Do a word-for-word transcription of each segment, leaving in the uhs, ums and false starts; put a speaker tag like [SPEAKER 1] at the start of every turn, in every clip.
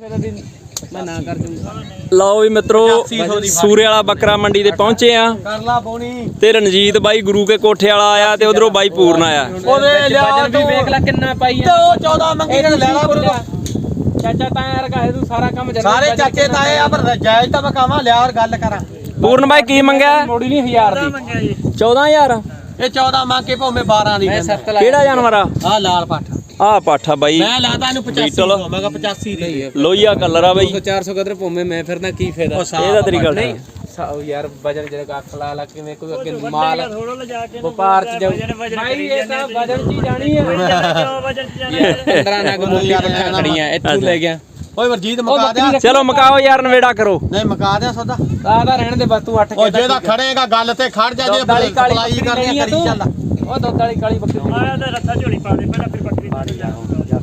[SPEAKER 1] मैं ना कर दूंगा।
[SPEAKER 2] लो भी मित्रों सूर्य वाला बकरा मंडी ते पहुंचे आ ते रणजीत बाई गुरु के कोठे वाला आया ते उधरों बाई पूर्ण आया।
[SPEAKER 1] वजन भी देख ला कितना पाई है चौदह मंगी ने ले ला गुरु चाचा ताया रखा है तू सारा काम
[SPEAKER 3] सारे चाचे ताए आ पर जायज ता मैं कहां ले और गल करा।
[SPEAKER 2] पूर्ण भाई की मंगया
[SPEAKER 1] मोड़ी नहीं हजार दी
[SPEAKER 2] चौदह हजार
[SPEAKER 3] ये चौदह मांग के भावे बारह दी
[SPEAKER 2] केड़ा जानवर आ
[SPEAKER 3] आ लाल पाठा
[SPEAKER 2] आ पाठा बाई
[SPEAKER 3] मैं लाता इनु पचासी मैं कहा पचासी दी
[SPEAKER 2] लोहिया कलर आ बाई
[SPEAKER 1] चार सौ कदर भूमे मैं फिर ना की फायदा
[SPEAKER 2] ਇਹਦਾ ਤੇਰੀ ਗੱਲ ਨਹੀਂ
[SPEAKER 1] यार वजन जरा खला ला कि मैं कोई अगे माल व्यापार च जाऊ भाई ये सब वजन ची जानी है वजन ची जानी है पंद्रह नग मोटी खड़ियां इथू ले गया
[SPEAKER 3] ओए वरजीत मका दे
[SPEAKER 2] चलो मकाओ यार नवेड़ा करो
[SPEAKER 3] नहीं मका दे सौदा
[SPEAKER 1] आधा रहने दे बस तू अठ
[SPEAKER 3] ओ जेदा खड़ेगा गल ते खड़ जा जे सप्लाई करनी करी चल
[SPEAKER 1] ओ दुध वाली काली बकरी आया ते रस्सा झोली पा दे पहला फिर बकरी मार जा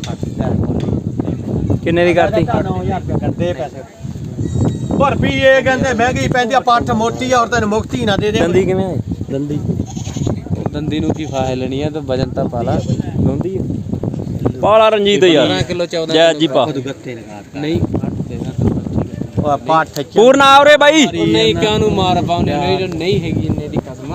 [SPEAKER 2] किन्ने दी करती
[SPEAKER 3] नौ हज़ार रुपया कर दे पैसे पर भी ये कहंदे महंगी पैंदी पੱਠ ਮੋਟੀ ਔਰ ਤੈਨੂੰ ਮੁਕਤੀ ਨਾ ਦੇ ਦੇ
[SPEAKER 2] ਦੰਦੀ ਕਿਵੇਂ ਹੈ ਦੰਦੀ
[SPEAKER 1] दंदी नु की फाहे लेनी है तो वजन ता पाला
[SPEAKER 2] ਦੰਦੀ ਪਾਲਾ ਰਣਜੀਤ ਯਾਰ
[SPEAKER 1] पंद्रह किलो चौदह
[SPEAKER 2] ਜੈ ਜੀ ਪਾ
[SPEAKER 1] नहीं
[SPEAKER 3] ਉਹ ਪੱਠ
[SPEAKER 2] ਪੂਰਨ ਆ ਉਰੇ ਬਾਈ
[SPEAKER 1] नहीं क्यों नु मार पाउने नहीं नहीं हैगी इन्ने दी कसम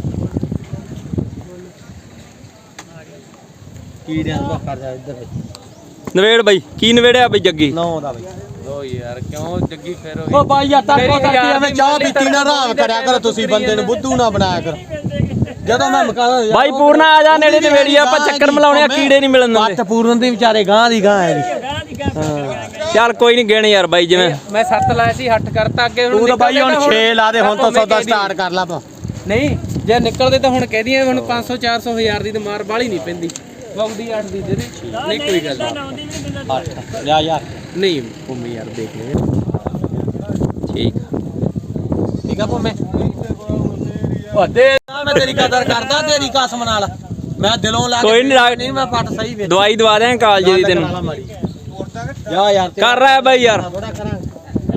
[SPEAKER 3] ਕੀੜਿਆਂ ਦਾ ਕਰ ਜਾ ਇੱਧਰ
[SPEAKER 2] ਨਵੇੜ ਬਾਈ ਕੀ ਨਵੇੜਿਆ ਬਈ ਜੱਗੀ
[SPEAKER 3] ਨੌ ਦਾ ਬਈ
[SPEAKER 1] ओ यार क्यों जग्गी फेर हो
[SPEAKER 3] ओ भाई यार तड़को करके हमें चाह पीती ना आराम करया करो तुसी बंदे नु बुद्धू ना बनाया करो ਜਦੋਂ ਮੈਂ ਮਕਾਦਾ
[SPEAKER 2] ਬਾਈ ਪੂਰਨ ਆ ਜਾ ਨੇੜੇ ਨਵੇੜੀ ਆਪਾਂ ਚੱਕਰ ਮਲਾਉਣੇ ਆ ਕੀੜੇ ਨਹੀਂ ਮਿਲਣ ਦਿੰਦੇ
[SPEAKER 3] ਪੱਠ ਪੂਰਨ ਦੀ ਵਿਚਾਰੇ ਗਾਂ ਦੀ ਗਾਂ ਹੈ
[SPEAKER 2] ਚੱਲ ਕੋਈ ਨਹੀਂ ਗਿਣ ਯਾਰ ਬਾਈ ਜਿਵੇਂ
[SPEAKER 1] मैं सत्त लाया सी हट करता अगे
[SPEAKER 3] ਤੂੰ ਤਾਂ ਬਾਈ ਹੁਣ ਛੇ ਲਾ ਦੇ ਹੁਣ ਤਾਂ ਸੌਦਾ ਸਟਾਰਟ ਕਰ ਲਾ ਪਾ
[SPEAKER 1] नहीं जे निकलदे तो हुण कह दिए हुण पाँच सौ चार सौ हजार दी ते मार बाली नहीं पैंदी वगदी आठ दी दे दे नहीं कोई गल
[SPEAKER 3] ਅੱਠ ਲਿਆ ਯਾਰ
[SPEAKER 1] नहीं भूमि यार देख ले
[SPEAKER 2] ਠੀਕ
[SPEAKER 3] ਠੀਕ ਆ ਭੋਮੇ ਉਹ ਦੇ ਮੈਂ ਤੇਰੀ ਕਦਰ ਕਰਦਾ ਤੇਰੀ ਕਸਮ ਨਾਲ ਮੈਂ ਦਿਲੋਂ ਲਾ
[SPEAKER 2] ਕੋਈ ਨਹੀਂ
[SPEAKER 3] ਨਹੀਂ ਮੈਂ ਪੱਟ ਸਹੀ ਵੇਚ
[SPEAKER 2] ਦਵਾਈ ਦਵਾ ਦਿਆਂ ਕਾਲਜ ਦੀ ਤੈਨੂੰ
[SPEAKER 3] ਜਾ ਯਾਰ
[SPEAKER 2] ਕਰ ਰਿਹਾ ਬਾਈ ਯਾਰ
[SPEAKER 3] ਥੋੜਾ ਕਰਾਂਗੇ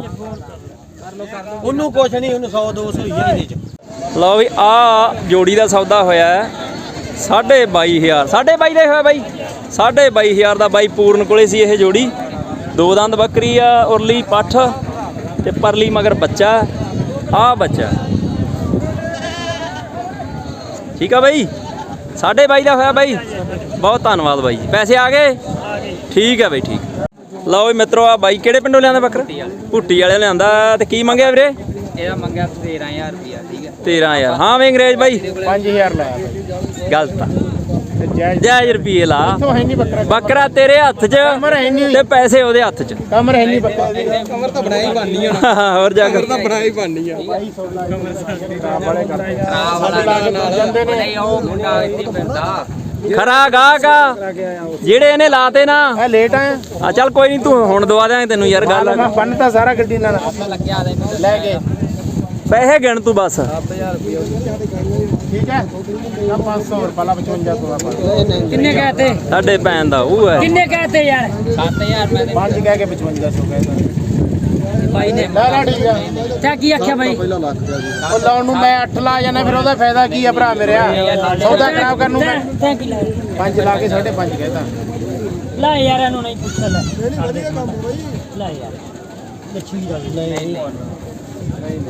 [SPEAKER 3] ਉਹਨੂੰ ਕੁਛ ਨਹੀਂ ਉਹਨੂੰ ਸੌ ਦੋ ਸੌ ਹੀ ਇਹਦੇ ਚ
[SPEAKER 2] ਲਓ ਵੀ ਆ ਜੋੜੀ ਦਾ ਸੌਦਾ ਹੋਇਆ ਹੈ ਸਾਢੇ ਬਾਈ ਹਜ਼ਾਰ ਸਾਢੇ ਬਾਈ ਦਾ ਹੋਇਆ ਬਾਈ ਸਾਢੇ ਬਾਈ ਹਜ਼ਾਰ ਦਾ ਬਾਈ ਪੂਰਨ ਕੋਲੇ ਸੀ ਇਹ ਜੋੜੀ ਦੋ ਦੰਦ ਬੱਕਰੀ ਆ ਉਰਲੀ ਪੱਠ ਤੇ ਪਰਲੀ ਮਗਰ ਬੱਚਾ ਆ ਬੱਚਾ ਠੀਕ ਆ ਬਾਈ ਸਾਢੇ ਬਾਈ ਦਾ ਹੋਇਆ ਬਾਈ ਬਹੁਤ ਧੰਨਵਾਦ ਬਾਈ ਪੈਸੇ ਆ ਗਏ ਠੀਕ ਹੈ ਬਾਈ ਠੀਕ ਲਓ ਵੀ ਮਿੱਤਰੋ ਆ ਬਾਈ ਕਿਹੜੇ ਪਿੰਡੋਂ ਲਿਆਂਦਾ ਬੱਕਰਾ ਭੁੱਟੀ ਵਾਲੇ ਲਿਆਂਦਾ ਤੇ ਕੀ ਮੰਗਿਆ ਵੀਰੇ
[SPEAKER 1] ਇਹਦਾ ਮੰਗਿਆ तेरह हज़ार रुपया ठीक है
[SPEAKER 2] तेरह हज़ार हाँ वे अंग्रेज भाई
[SPEAKER 1] पाँच हज़ार लाया
[SPEAKER 2] गलत जायज रुपये ला बकरा तेरे हथ च ते पैसे ओदे हथ च
[SPEAKER 1] कमर है नहीं बकरा कमर तो बनाई बननी है
[SPEAKER 2] और जाकर
[SPEAKER 1] तो बनाई बननी है नहीं ओ मुंडा इतनी फिरदा
[SPEAKER 2] खरा गाहका जेड़े इहने लाते ना
[SPEAKER 1] लेट आए
[SPEAKER 2] आ चल कोई नहीं तू हुण दवा देंगे तेनू यार गल
[SPEAKER 1] मैं बनता सारा गड्डी नाल लग्या ले के
[SPEAKER 2] पैसे गिन तू बस
[SPEAKER 1] ठीक है पाँच सौ रुपया पचवंजा सौ किन्ने कहते
[SPEAKER 2] साडे भैन दा ओह है
[SPEAKER 1] किन्ने कहते यार सात हज़ार मैं पाँच कह के पचवंजा सौ कहता भाई ने ला ला ठीक है क्या की आख्या भाई ओ लाउन नु मैं आठ ला जाना फिर ओदा फायदा की है भरा मेरे सौदा खराब करनू मैं पाँच ला के साढ़े पाँच कहता ला यार एनु नहीं पूछ ले ला यार लक्ष्मी दा नहीं नहीं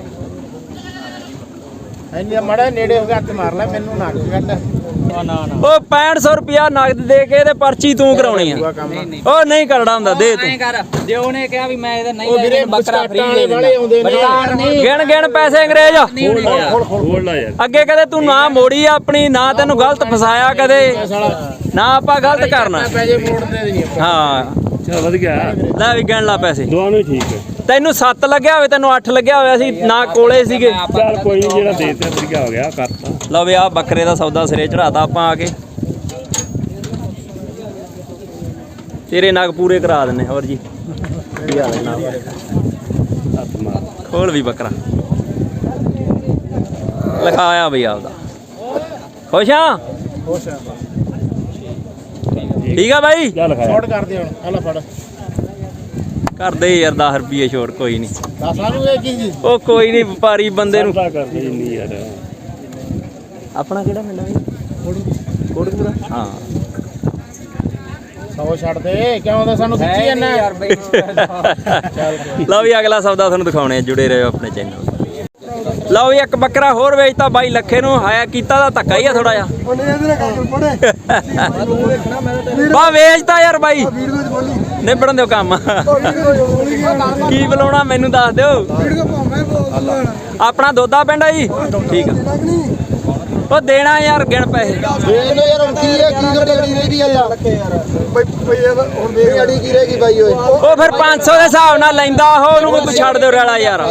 [SPEAKER 1] ਇੰਨੇ ਮੜਾ ਨੇੜੇ ਹੋ ਗਿਆ ਹੱਥ ਮਾਰ ਲੈ ਮੈਨੂੰ ਨਾ ਕੱਢ ਨਾ ਨਾ
[SPEAKER 2] ਉਹ पैंठ सौ रुपया नगद दे के ते पर्ची तू कराਉਣੀ ਆ ਉਹ ਨਹੀਂ ਕਰੜਾ ਹੁੰਦਾ ਦੇ ਤੂੰ
[SPEAKER 1] ਐਂ ਕਰ ਜੇ ਉਹਨੇ ਕਿਹਾ ਵੀ ਮੈਂ ਇਹਦਾ ਨਹੀਂ ਲੈ ਬੱਕਰਾ ਫ੍ਰੀ ਦੇ ਦਿੰਦਾ
[SPEAKER 2] ਗਿਣ ਗਿਣ ਪੈਸੇ ਅੰਗਰੇਜ਼
[SPEAKER 1] ਖੋਲ ਲਾ ਯਾਰ
[SPEAKER 2] ਅੱਗੇ ਕਦੇ ਤੂੰ ਨਾ ਮੋੜੀ ਆਪਣੀ ਨਾ ਤੈਨੂੰ ਗਲਤ ਫਸਾਇਆ ਕਦੇ ਨਾ ਆਪਾਂ ਗਲਤ ਕਰਨਾ
[SPEAKER 1] ਪੈਸੇ ਮੋੜ ਦੇ ਦੇਣੀ
[SPEAKER 2] ਹਾਂ
[SPEAKER 1] ਚਲ ਵਧ ਗਿਆ
[SPEAKER 2] ਲੈ ਵੀ ਗਿਣ ਲਾ ਪੈਸੇ
[SPEAKER 1] ਦੋਵਾਂ ਨੂੰ ਠੀਕ ਹੈ
[SPEAKER 2] ਤੈਨੂੰ ਸੱਤ ਲੱਗਿਆ ਹੋਵੇ ਤੈਨੂੰ ਅੱਠ ਲੱਗਿਆ ਹੋਇਆ ਸੀ ਨਾ ਕੋਲੇ ਸੀਗੇ
[SPEAKER 1] ਚੱਲ ਕੋਈ ਨਹੀਂ ਜਿਹੜਾ ਦੇ ਤੇ ਵਧੀਆ ਹੋ ਗਿਆ ਕਰਤਾ
[SPEAKER 2] ਲਓ ਵੀ ਆ ਬੱਕਰੇ ਦਾ ਸੌਦਾ ਸਿਰੇ ਚੜਾਤਾ ਆਪਾਂ ਆ ਕੇ ਤੇਰੇ ਨਗ ਪੂਰੇ ਕਰਾ ਦਿੰਨੇ ਹੋਰ ਜੀ ਕੀ ਹਾਲ ਹੈ ਨਾ ਖੋਲ ਵੀ ਬੱਕਰਾ ਲਿਖਾਇਆ ਬਈ ਆਪਦਾ ਖੁਸ਼ ਆ
[SPEAKER 1] ਖੁਸ਼ ਆ
[SPEAKER 2] ਠੀਕ ਆ ਬਾਈ
[SPEAKER 1] ਛੋੜ ਕਰ ਦੇ ਹੁਣ ਹਲਾ ਫੜ
[SPEAKER 2] ਕਰਦੇ ਯਾਰ ਦਸ ਰੁਪਏ ਛੋੜ ਕੋਈ ਨਹੀਂ
[SPEAKER 1] ਦਸ ਨੂੰ ਇਹ ਕੀ
[SPEAKER 2] ਉਹ ਕੋਈ ਨਹੀਂ ਵਪਾਰੀ ਬੰਦੇ ਨੂੰ
[SPEAKER 1] ਕਰਦੇ ਨਹੀਂ ਯਾਰ
[SPEAKER 2] ਆਪਣਾ ਕਿਹੜਾ ਮਿਲਣਾ ਬਈ ਕੋੜਕਪੂਰਾ ਹਾਂ
[SPEAKER 1] ਸੌ ਛੱਡ ਦੇ ਕਿਉਂ ਤਾਂ ਸਾਨੂੰ ਖਿੱਚੀ ਜਾਂਦਾ ਯਾਰ ਬਈ।
[SPEAKER 2] ਲਓ ਵੀ ਅਗਲਾ ਸੌਦਾ ਤੁਹਾਨੂੰ ਦਿਖਾਉਣੇ ਆ, ਜੁੜੇ ਰਹੋ ਆਪਣੇ ਚੈਨਲ। ਲਓ ਵੀ ਇੱਕ ਬੱਕਰਾ ਹੋਰ ਵੇਚਤਾ ਬਾਈ ਲੱਖੇ ਨੂੰ, ਹਾਇਆ ਕੀਤਾ ਦਾ ਧੱਕਾ ਹੀ ਆ ਥੋੜਾ ਜਿਹਾ। ਬਾ ਵੇਚਤਾ ਯਾਰ ਬਾਈ, ਨਿਬੜਨ ਦਿਓ ਕੰਮ। ਕੀ ਬੁਲਾਉਣਾ ਮੈਨੂੰ ਦੱਸ ਦਿਓ। ਆਪਣਾ ਦੋਦਾ ਪਿੰਡ ਆ ਜੀ, ਠੀਕ ਆ। ਉਹ ਦੇਣਾ ਯਾਰ, ਗਿਣ ਪੈਸੇ। ਉਹ ਫਿਰ ਪੰਜ ਸੌ ਦੇ ਹਿਸਾਬ ਨਾਲ ਲੈਂਦਾ ਉਹ, ਉਹਨੂੰ ਕੋਈ ਛੱਡ ਦਿਓ ਰੈਲਾ ਯਾਰ।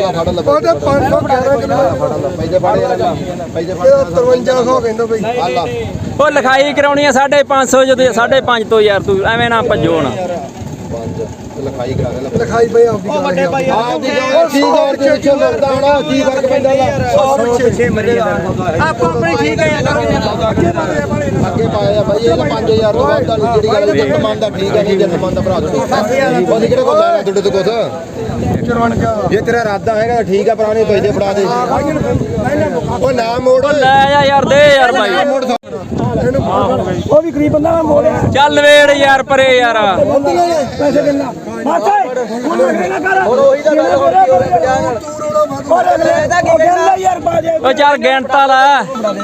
[SPEAKER 2] ਉਹ ਲਿਖਾਈ ਕਰਾਉਣੀ ਆ ਸਾਢੇ ਪੰਜ ਸੌ, ਜਦੋਂ ਸਾਢੇ ਪੰਜ ਤੋਂ ਯਾਰ ਤੂੰ ਐਵੇਂ ਨਾ ਭੱਜੋ ਨਾ।
[SPEAKER 4] ਲਿਖਾਈ ਕਰਾ ਦੇ ਲਿਖਾਈ ਬਈ ਆਪਦੀ ਵੱਡੇ ਭਾਈ ਆਪਦੀ ਕੀ ਹੋਰ ਦੇ ਵਿੱਚੋਂ ਲੱਗਦਾ ਹੋਣਾ ਕੀ ਫਰਕ ਪੈਂਦਾ ਦਾ ਛੇ ਛੇ ਮਰੀ ਆਪਾਂ ਆਪਣੀ ਠੀਕ ਹੈ ਅੱਗੇ ਪਾਇਆ ਬਾਈ ਇਹ ਪੰਜ ਹਜ਼ਾਰ ਤੋਂ ਵੱਧ ਦਾ ਜਿਹੜੀ ਗੱਲ ਜੱਟ ਮੰਨਦਾ ਠੀਕ ਹੈ, ਨਹੀਂ ਜੱਟ ਮੰਨਦਾ ਭਰਾ ਤੂੰ ਉਹਦੀ ਕਿਹੜੇ ਕੋਲ ਲੈਣਾ ਤੁਹਾਡੇ ਤੋਂ ਕੁਛ। ਜੇ ਤੇਰਾ ਇਰਾਦਾ ਹੈਗਾ ਠੀਕ ਆ, ਪੁਰਾਣੇ ਪੈਸੇ ਫੜਾ ਦੇ ਉਹ ਨਾ ਮੋੜ
[SPEAKER 2] ਲੈ ਜਾ ਯਾਰ, ਦੇ ਯਾਰ ਬਾਈ।
[SPEAKER 1] ਉਹ ਵੀ ਗਰੀਬ ਬੰਦਾ ਮੈਂ ਮੋੜਿਆ।
[SPEAKER 2] ਚੱਲ ਵੇੜ ਯਾਰ ਪਰੇ ਯਾਰ।
[SPEAKER 1] ਪੈਸੇ ਕਿੰਨਾ ਮਾਤਾ ਹੁਣ ਅਗਲੇ ਨਾ ਕਰ
[SPEAKER 4] ਹੁਣ ਉਹੀ ਤਾਂ ਗੱਲ ਹੋ ਰਹੀ
[SPEAKER 1] ਔਰ ਅਗਲੇ ਦਾ ਕੀ ਕਹਿੰਦਾ ਯਾਰ ਬਾਜੇ।
[SPEAKER 2] ਉਹ ਚੱਲ ਗਿਣਤਾ ਲੈ।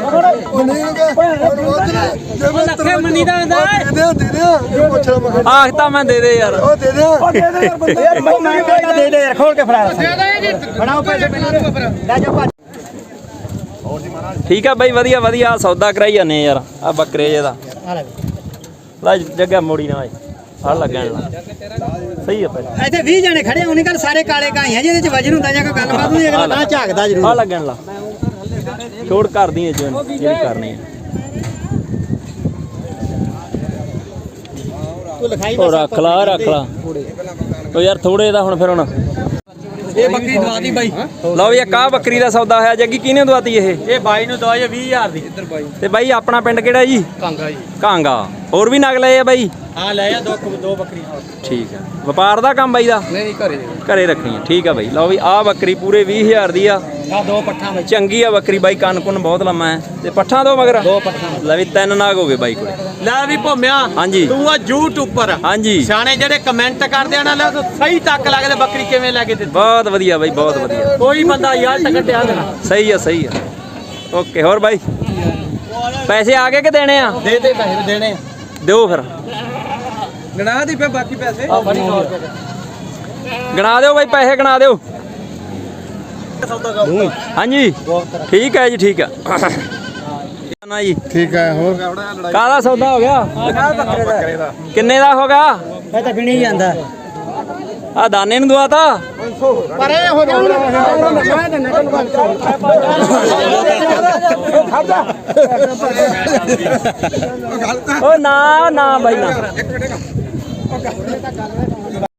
[SPEAKER 1] ਲੱਖੇ ਮੰਨੀ ਦਾ ਹੁੰਦਾ
[SPEAKER 4] ਦੇ ਦੇ ਦੇ ਪੁੱਛ ਲਾ ਮੈਂ
[SPEAKER 2] ਆਖ ਤਾਂ ਮੈਂ ਦੇ ਦੇ ਯਾਰ।
[SPEAKER 4] ਉਹ ਦੇ ਦੇ
[SPEAKER 1] ਉਹ ਦੇ ਦੇ ਯਾਰ ਬੰਦੇ ਯਾਰ ਮੈਂ ਕਹਿੰਦਾ ਦੇ ਦੇ ਯਾਰ, ਖੋਲ ਕੇ ਫੜਾ ਦੇ ਦੇ ਫੜਾਓ ਪੈਸੇ ਲੈ ਜਾਓ ਭੱਜ।
[SPEAKER 2] ਠੀਕ ਆ ਬਾਈ, ਵਧੀਆ ਵਧੀਆ ਸੌਦਾ ਕਰਾਈ ਜਾਂਦੇ ਯਾਰ। ਆ ਬੱਕਰੇ ਜੇ ਦਾ ਲੈ ਜੱਗਾ ਮੋੜੀ ਨਾ ਫੜ ਲੱਗਣ ਲਾ, ਸਹੀ ਆ ਪਹਿਲਾਂ।
[SPEAKER 1] ਇੱਥੇ ਵੀਹ ਜਣੇ ਖੜੇ ਹੋਣੇ ਕਰ, ਸਾਰੇ ਕਾਲੇ ਕਾਈਆਂ ਜਿਹਦੇ ਚ ਵਜਨ ਹੁੰਦਾ ਜਾਂ ਕੋਈ ਗੱਲਬਾਤ ਹੁੰਦੀ ਅਗਲਾ ਤਾਂ ਝਾਕਦਾ ਜ਼ਰੂਰ।
[SPEAKER 2] ਆ ਲੱਗਣ ਲਾ, ਛੋੜ ਕਰਦੀ ਐ ਜਿਹੜੀ ਕਰਨੀ ਹੈ।
[SPEAKER 1] ਤੂੰ ਲਿਖਾਈ
[SPEAKER 2] ਉਹ ਰੱਖ ਲਾ ਰੱਖ ਲਾ ਉਹ ਯਾਰ ਥੋੜੇ ਦਾ ਹੁਣ ਫਿਰ ਹੁਣ
[SPEAKER 3] ਇਹ ਬੱਕਰੀ ਦਵਾਤੀ ਬਾਈ,
[SPEAKER 2] ਲਓ ਵੀ ਇੱਕ ਆਹ ਬੱਕਰੀ ਦਾ ਸੌਦਾ ਹੋਇਆ। ਜੱਗੀ ਕਿਹਨੇ ਦਵਾਤੀ ਇਹ?
[SPEAKER 3] ਇਹ ਬਾਈ ਨੂੰ ਦਵਾਈ ਵੀਹ ਹਜ਼ਾਰ ਦੀ। ਇੱਧਰ ਬਾਈ
[SPEAKER 2] ਤੇ ਬਾਈ ਆਪਣਾ ਪਿੰਡ ਕਿਹੜਾ ਜੀ?
[SPEAKER 3] ਕਾਂਗਾ ਜੀ।
[SPEAKER 2] ਕਾਂਗਾ। ਹੋਰ ਵੀ ਨਗ ਲਏ ਆ ਬਾਈ?
[SPEAKER 3] ਹਾਂ ਲੈ ਆ ਦੋ ਦੋ ਬੱਕਰੀਆਂ।
[SPEAKER 2] ਠੀਕ ਆ, ਵਪਾਰ ਦਾ ਕੰਮ ਬਾਈ ਦਾ?
[SPEAKER 3] ਨਹੀਂ ਘਰੇ
[SPEAKER 2] ਘਰੇ ਰੱਖਣੀ ਆ, ਠੀਕ ਆ ਬਾਈ। ਲਓ ਵੀ ਆਹ ਬੱਕਰੀ ਪੂਰੇ ਵੀਹ ਹਜ਼ਾਰ ਦੀ ਆ।
[SPEAKER 3] ਆ ਦੋ ਪੱਠਾਂ ਵਿੱਚ
[SPEAKER 2] ਚੰਗੀ ਆ ਬੱਕਰੀ ਬਾਈ, ਕੰਨ ਕੁੰਨ ਬਹੁਤ ਲੰਮਾ ਹੈ ਤੇ ਪੱਠਾਂ ਦੋ ਮਗਰ
[SPEAKER 3] ਦੋ ਪੱਠਾਂ।
[SPEAKER 2] ਲੈ ਵੀ ਤਿੰਨ ਨਾਗ ਹੋ ਗਏ ਬਾਈ ਕੋਲੇ।
[SPEAKER 3] ਲੈ ਵੀ ਭੋਮਿਆ
[SPEAKER 2] ਹਾਂਜੀ।
[SPEAKER 3] ਤੂੰ ਆ ਯੂਟਿਊਬਰ
[SPEAKER 2] ਹਾਂਜੀ
[SPEAKER 3] ਸਿਆਣੇ ਜਿਹੜੇ ਕਮੈਂਟ ਕਰਦੇ ਆ ਨਾ, ਲੈ ਸਹੀ ਤੱਕ ਲੱਗਦੇ ਬੱਕਰੀ ਕਿਵੇਂ ਲੈ ਕੇ ਦਿੱਤੀ।
[SPEAKER 2] ਬਹੁਤ ਵਧੀਆ ਬਾਈ, ਬਹੁਤ ਵਧੀਆ।
[SPEAKER 3] ਕੋਈ ਬੰਦਾ ਯਾਰ ਟਕਟਿਆ ਦੇਣਾ।
[SPEAKER 2] ਸਹੀ ਆ ਸਹੀ ਆ, ਓਕੇ। ਹੋਰ ਬਾਈ ਪੈਸੇ ਆ ਗਏ ਕਿ ਦੇਣੇ ਆ?
[SPEAKER 3] ਦੇ ਦੇ ਪੈਸੇ ਦੇਣੇ ਆ।
[SPEAKER 2] ਦਿਓ ਫਿਰ,
[SPEAKER 3] ਗਣਾ ਦੀ ਫੇ ਬਾਕੀ ਪੈਸੇ ਆ ਬੜੀ ਸੌ ਰੁਪਏ
[SPEAKER 2] ਗਣਾ ਦਿਓ ਬਾਈ, ਪੈਸੇ ਗਣਾ ਦਿਓ। ਹਾਂਜੀ ਠੀਕ ਹੈ ਜੀ, ਠੀਕ ਆ ਨਾ ਜੀ।
[SPEAKER 4] ਠੀਕ ਹੈ। ਹੋਰ
[SPEAKER 2] ਕਾਹਦਾ ਸੌਦਾ ਹੋ ਗਿਆ?
[SPEAKER 4] ਬੱਕਰੇ ਦਾ
[SPEAKER 2] ਕਿੰਨੇ ਦਾ ਹੋ ਗਿਆ?
[SPEAKER 1] ਮੈਂ ਤਾਂ ਗਿਣੀ ਜਾਂਦਾ
[SPEAKER 2] ਆ ਦਾਨੇ ਨੂੰ ਦਵਾਤਾ।
[SPEAKER 1] ਪਰੇ ਹੋ ਜਾ ਮੈਂ ਤਾਂ ਨਿਕਲ
[SPEAKER 2] ਓ ਨਾ ਨਾ ਬਾਈ ਨਾ।